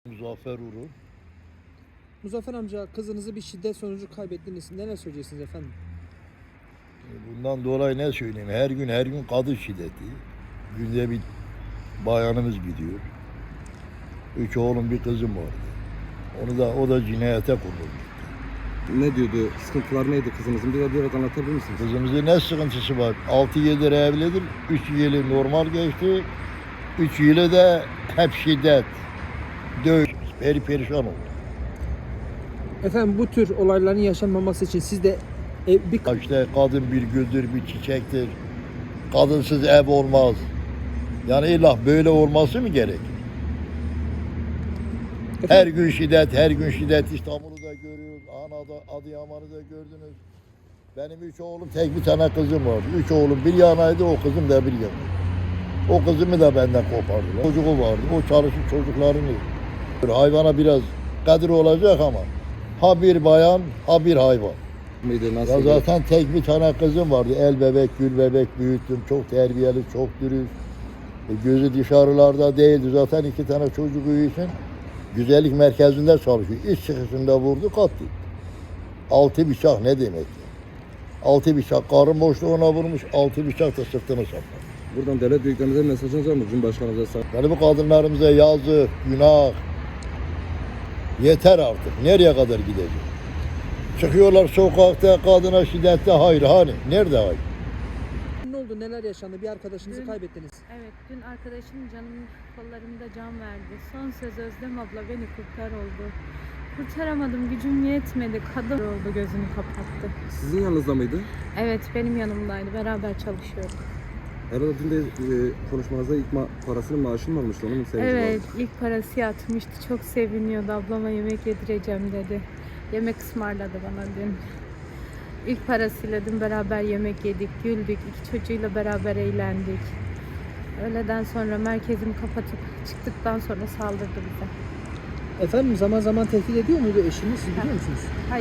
Muzaffer Uru. Muzaffer amca, kızınızı bir şiddet sonucu kaybettiniz. Neler söyleyeceksiniz efendim? Bundan dolayı ne söyleyeyim? Her gün kadın şiddeti. Günde bir bayanımız gidiyor. 3 oğlum bir kızım vardı. O da cinayete kurulmuş. Ne diyordu? Sıkıntılar neydi kızınızın? Biraz anlatabilir misiniz? Kızımızın ne sıkıntısı var? 6 yıldır evlidir. 3 yılı normal geçti. 3 yılı da hep şiddet. Dövüş. Perişan oldu. Efendim, bu tür olayların yaşanmaması için siz de İşte kadın bir güldür, bir çiçektir. Kadınsız ev olmaz. Yani illa böyle olması mı gerek? Her gün şiddet. İstanbul'u da görüyoruz, Adıyaman'ı da gördünüz. Benim 3 oğlum, tek bir tane kızım vardı. 3 oğlum bir yanaydı, o kızım da bir yanaydı. O kızımı da benden kopardılar. Çocuğu vardı, o çalışıp çocuklarını. Hayvana biraz kadir olacak ama ha bir bayan, ha bir hayvan. Mıydı, nasıl? Ya zaten tek bir tane kızım vardı. El bebek, gül bebek büyüttüm. Çok terbiyeli, çok dürüst. Gözü dışarılarda değildi. Zaten 2 tane çocuğu için güzellik merkezinde çalışıyor. İş çıkışında vurdu, kattı. 6 bıçak ne demek ya? 6 bıçak karın boşluğuna vurmuş, 6 bıçak da sırtını saplamış. Buradan devlet büyüklerimize mesajınız var mı? Cumhurbaşkanımıza sağ. Yani bu kadınlarımıza yazık, günah. Yeter artık. Nereye kadar gidecek? Çıkıyorlar sokakta kadına şiddette, hayır hani? Nerede hayır? ne oldu, neler yaşandı? Bir arkadaşınızı kaybettiniz. Evet, dün arkadaşım canım kollarımda can verdi. Son söz Özlem abla beni kurtar oldu. Kurtaramadım, gücüm yetmedi. Kadın oldu, gözünü kapattı. Sizin yanınızda mıydı? Evet, benim yanımdaydı. Beraber çalışıyorduk. Herhalde dün de konuşmanızda ilk parasının maaşını mı almıştı? Onun sevinci Evet, vardı. ilk parası yatmıştı. Çok seviniyordu. Ablama yemek yedireceğim dedi. Yemek ısmarladı bana dün. İlk parasıyla dün beraber yemek yedik, güldük. 2 çocuğuyla beraber eğlendik. Öğleden sonra merkezimi kapatıp çıktıktan sonra saldırdı bize. Efendim, zaman zaman tehdit ediyor muydu eşiniz? Siz biliyor musunuz?